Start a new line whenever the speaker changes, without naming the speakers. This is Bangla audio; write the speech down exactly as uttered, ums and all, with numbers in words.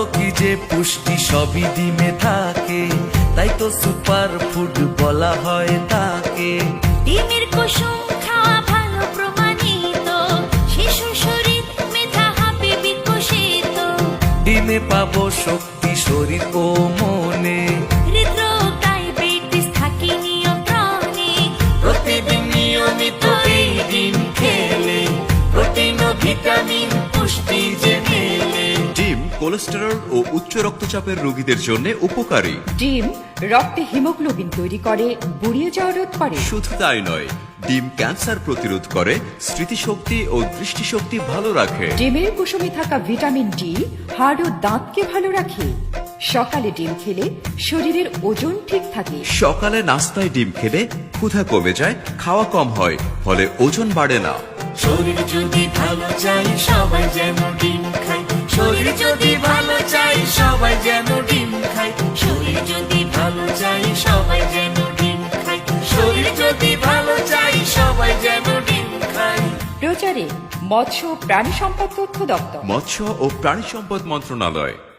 কি যে পুষ্টি সবই ডিমে থাকে, তাই তো সুপার ফুড বলা হয় তাকে।
ডিমের কুসুম খাওয়া ভালো প্রমাণিত, শিশু শরীর মেধা হবে বিকশিত।
ডিমে পাবো শক্তি শরীর ও মনে,
হৃদরোগ ডায়াবেটিস থাকে নিয়ন্ত্রণে।
প্রতিদিন নিয়মিত এই ডিম খেলে প্রোটিন ও ভিটামিন পুষ্টি যে মেলে।
ডিম কোলেস্টেরল ও উচ্চ রক্তচাপের রোগীদের জন্য উপকারী।
ডিম রক্তে হিমোগ্লোবিন তৈরি করে, বুড়িয়ে যাওয়া রোধ করে।
শুধু তাই নয়, ডিম ক্যান্সার প্রতিরোধ করে, স্মৃতিশক্তি ও দৃষ্টিশক্তি ভালো রাখে।
ডিমের কুসুমে থাকা ভিটামিন ডি হাড় ও দাঁতকে ভালো রাখে। সকালে ডিম খেলে শরীরের ওজন ঠিক থাকে।
সকালে নাস্তায় ডিম খেলে ক্ষুধা কমে যায়, খাওয়া কম হয়, ফলে ওজন বাড়ে না।
শরীর যদি ভালো চাই সবাই যেন ডিম খায়, শরীর যদি ভালো চাই সবাই যেন ডিম খায়, শরীর যদি ভালো চাই সবাই যেন ডিম খায়, শরীর যদি ভালো চাই সবাই যেন ডিম খায়।
প্রচারে মৎস্য ও প্রাণী সম্পদ তথ্য দপ্তর।
মৎস্য ও প্রাণী সম্পদ মন্ত্রণালয়।